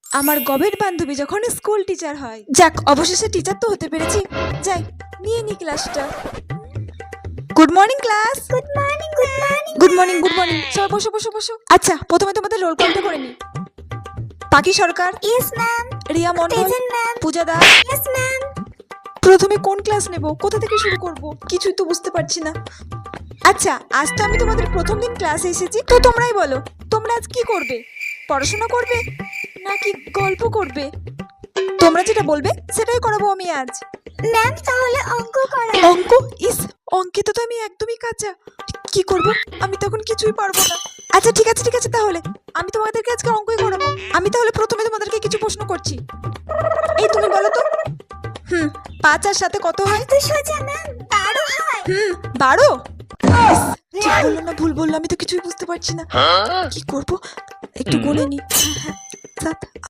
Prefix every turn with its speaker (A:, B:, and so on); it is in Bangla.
A: আমার গবের বান্ধবী যখন স্কুল টিচার হয়। যাক, অবশেষে টিচার তো হতে পেরেছি। যাই, নিয়ে নি ক্লাসটা। Good morning class.
B: Good morning good morning
A: good morning good morning. সবাই বসো বসো বসো। আচ্ছা, প্রথমে তোমাদের রোল কলটা করে নি। Pakhi Sarkar,
B: yes ma'am.
A: Riya Mondal,
B: present ma'am.
A: Puja Das.
B: Yes ma'am.
A: প্রথমে কোন ক্লাস নেব, কোথা থেকে শুরু করব, কিছুই তো বুঝতে পারছি না। আচ্ছা, আজ তো আমি তোমাদের প্রথম দিন ক্লাসে এসেছি, তো তোমরাই বলো, তোমরা আজ কি করবে? পড়াশোনা করবে নাকি গল্প করবে? তোমরা যেটা বলবে সেটাই করাবো আমি আজ।
B: ম্যাম তাহলে অঙ্ক করা।
A: অঙ্ক? ইস, অঙ্কে তো আমি একদমই কাঁচা। কি করব? আমি তখন কিছুই পারবো না। আচ্ছা ঠিক আছে ঠিক আছে, তাহলে আমি তোমাদেরকে আজকে অঙ্কই করাবো। আমি তাহলে প্রথমে তোমাদেরকে কিছু প্রশ্ন করছি। এই তুমি বলো তো, 5 আর 7 কত হয়?
B: তো সোজা ম্যাম 12 হয়।
A: 12? ঠিক বললাম না ভুল বললাম? আমি তো কিছুই বুঝতে পারছি না। কি করব, একটু গুনে নি। 7